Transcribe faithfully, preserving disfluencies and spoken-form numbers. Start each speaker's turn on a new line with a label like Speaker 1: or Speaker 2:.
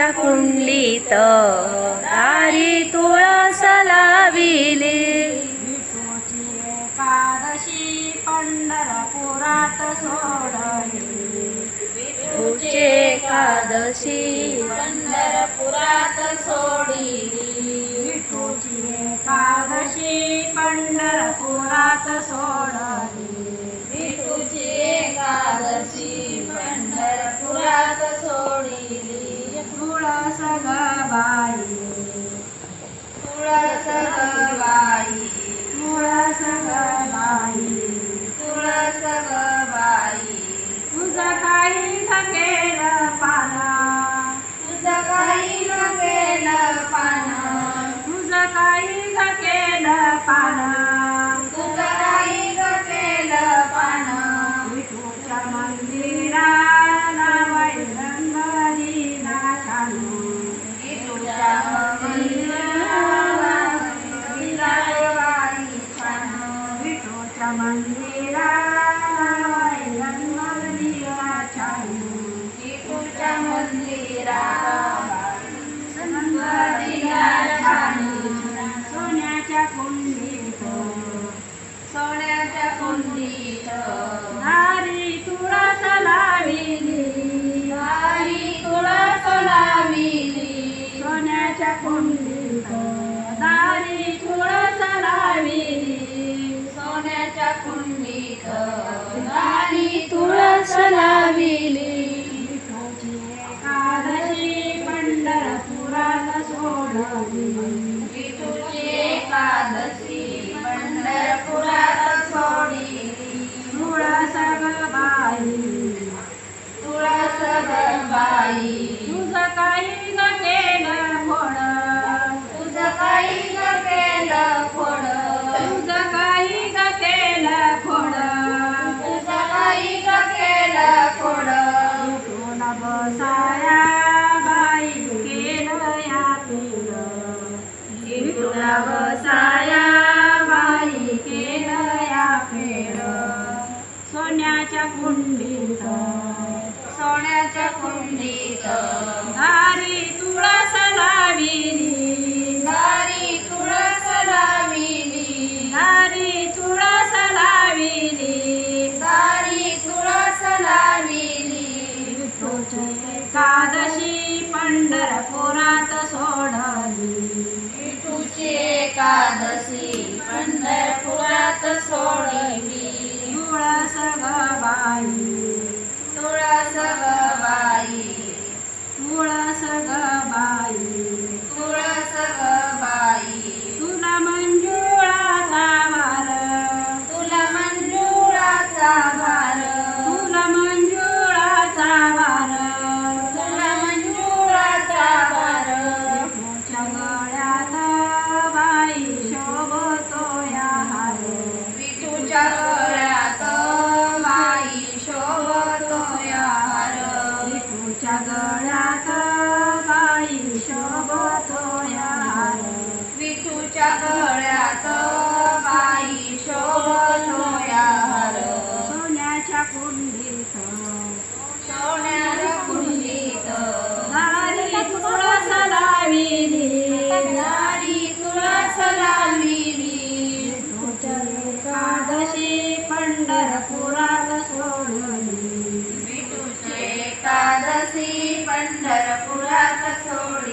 Speaker 1: सोन्याच्या कुंडलीत दारी तुळस लाविली.
Speaker 2: विठूची एकादशी पंढरपुरात सोडली.
Speaker 1: विठूची एकादशी
Speaker 3: पंढरपुरात सोडिली.
Speaker 2: विठूची एकादशी पंढरपुरात सोडली.
Speaker 3: विठूची एकादशी पंढरपुरात सोडिली.
Speaker 2: तुळस ग बाई,
Speaker 3: तुळस ग बाई,
Speaker 2: तुळस ग बाई,
Speaker 3: तुळस ग बाई,
Speaker 2: तुझं काही न केलं पाना,
Speaker 3: तुझं काही न केलं पानं,
Speaker 2: तुझं काही न केलं पाना.
Speaker 3: तुझं काही न केलं पानं.
Speaker 2: विठूच्या मंदिराला वैरंगलीला छानू.
Speaker 3: विठूच्या मंदिराला विलायवाई छान.
Speaker 2: विठूच्या मंदिराला वैरंगलीला छानू.
Speaker 3: विठूच्या मंदिराला संगतीला छान.
Speaker 2: सोन्याच्या कुंडीत
Speaker 3: सोन्याच्या कुंडीत
Speaker 2: दारी तुळस लाविली.
Speaker 3: दारी तुळस लाविली.
Speaker 2: सोन्याच्या कुंडीत दारी तुळस लाविली.
Speaker 3: सोन्याच्या कुंडीत दारी तुळस लाविली.
Speaker 2: विठूची एकादशी पंढरपुरात सोडली.
Speaker 3: विठूची एकादशी पंढरपुरात सोडिली.
Speaker 2: तुळस ग बाई,
Speaker 3: तुळस ग बाई,
Speaker 2: तुझं काही न केलं फोड,
Speaker 3: तुझं काही न केलं खोड,
Speaker 2: तुझं काही न केलं फोड.
Speaker 3: तुझं काही न केलं खोड.
Speaker 2: विठूला बसाया बाई केलं या केलं. विठूला बसाया बाई केलं या केलं. सोन्याच्या कुंडीत
Speaker 3: सोन्याच्या कुंडीत
Speaker 2: दारी तुळस लाविली.
Speaker 3: दारी तुळस लाविली.
Speaker 2: दारी तुळस लाविली.
Speaker 3: दारी तुळस लाविली.
Speaker 2: विठूची एकादशी पंढरपुरात सोडली.
Speaker 3: विठूची एकादशी पंढरपुरात सोडिली.
Speaker 2: तुळस ग बाई,
Speaker 3: तुळस ग बाई,
Speaker 2: तुळस ग बाई,
Speaker 3: तुळस ग बाई,
Speaker 2: तुला मंजुळाचा वार,
Speaker 3: तुला मंजुळाचा भार,
Speaker 2: तुला मंजुळाचा वार.
Speaker 3: तुला मंजुळाचा भार.
Speaker 2: विठूच्या गळ्यात बाई शोभतो या हार.
Speaker 3: विठूच्या गळ्यात बाई शोभतो या हार.
Speaker 2: विठूच्या गळ्यात बाई शोभतो या हार.
Speaker 3: विठूच्या गळ्यात बाई शोभतो या हार.
Speaker 2: सोन्याच्या कुंडीत
Speaker 3: सोन्याच्या कुंडीत
Speaker 2: दारी तुळस लाविली.
Speaker 3: दारी तुळस लाविली.
Speaker 2: विठूची एकादशी पंढरपुरात सोडली.
Speaker 3: विठूची एकादशी पंढरपुरात सोडली.